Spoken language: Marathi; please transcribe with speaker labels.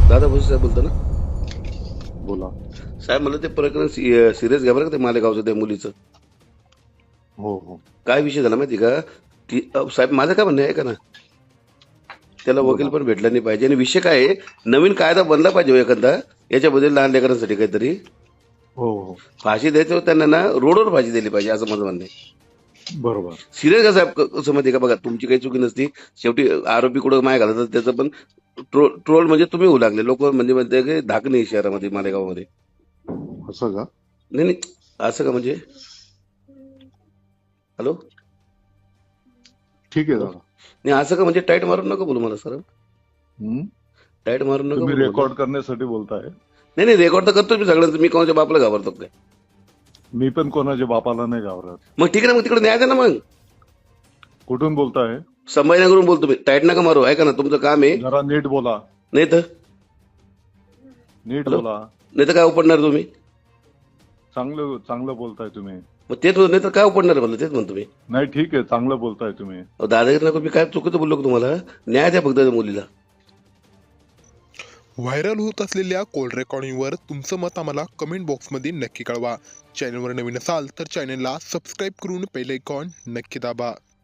Speaker 1: दादा भुसे साहेब बोलतो ना?
Speaker 2: बोला.
Speaker 1: साहेब मला ते प्रकरण सिरियस घ्या बरं का, ते मालेगावचं त्या मुलीचं.
Speaker 2: हो हो.
Speaker 1: काय विषय झाला माहिती का? की साहेब माझं काय म्हणणं आहे का ना, त्याला वकील
Speaker 2: बोला.
Speaker 1: पण भेटला नाही पाहिजे. आणि विषय काय आहे, नवीन कायदा बनला पाहिजे हो एखादा याच्याबद्दल, लहान लेकरांसाठी काहीतरी.
Speaker 2: हो हो.
Speaker 1: फाशी द्यायचं त्यांना ना, रोडवर फाशी दिली पाहिजे असं माझं म्हणणं आहे.
Speaker 2: बरोबर.
Speaker 1: सिरियस का साहेब, कसं माहिती का, बघा तुमची काही चुकी नसती. शेवटी आरोपी कुठं माय घालतात त्याचं पण ट्रोल म्हणजे तुम्ही होऊ लागले. लोक म्हणजे म्हणते की धाक नाही शहरामध्ये, मालेगावमध्ये.
Speaker 2: असं का?
Speaker 1: नाही नाही, असं का म्हणजे? हॅलो
Speaker 2: ठीक आहे
Speaker 1: हॅलो,
Speaker 2: दादा.
Speaker 1: नाही असं का म्हणजे? टाईट मारून नका बोलू मला सर,
Speaker 2: हम्म?
Speaker 1: टाईट मारून नका
Speaker 2: तुम्ही
Speaker 1: बोलू मला.
Speaker 2: रेकॉर्ड करण्यासाठी बोलताय?
Speaker 1: नाही नाही, रेकॉर्ड तर करतो मी सगळ्यांचं. मी कोणाच्या बापाला घाबरतो काय?
Speaker 2: मी पण कोणाच्या बापाला नाही घाबरत.
Speaker 1: मग ठीक आहे ना, मग तिकडे न्याय द्या ना मग.
Speaker 2: कुठून बोलताय?
Speaker 1: संभाजीनगरून बोलतो मी. टाईट नका मारू, ऐका ना, तुमचं काम आहे.
Speaker 2: जरा नीट बोला.
Speaker 1: नाही तर
Speaker 2: नीट
Speaker 1: हॅलो,
Speaker 2: बोला.
Speaker 1: नाही तर काय उपडणार तुम्ही?
Speaker 2: चांगलं चांगलं बोलताय तुम्ही.
Speaker 1: मग तेच नाही तर काय उपडणार मला, तेच म्हणतो मी.
Speaker 2: नाही ठीक आहे, चांगलं बोलताय तुम्ही.
Speaker 1: दादागिरी नको, मी काय चुकीचं बोललो का तुम्हाला? न्याय द्या फक्त त्या मुलीला.
Speaker 3: व्हायरल होत असलेल्या कॉल रेकॉर्डिंगवर तुमचं मत आम्हाला कमेंट बॉक्समध्ये नक्की कळवा. चॅनलवर नवीन असाल तर चॅनलला सबस्क्राईब करून बेल आयकॉन नक्की दाबा.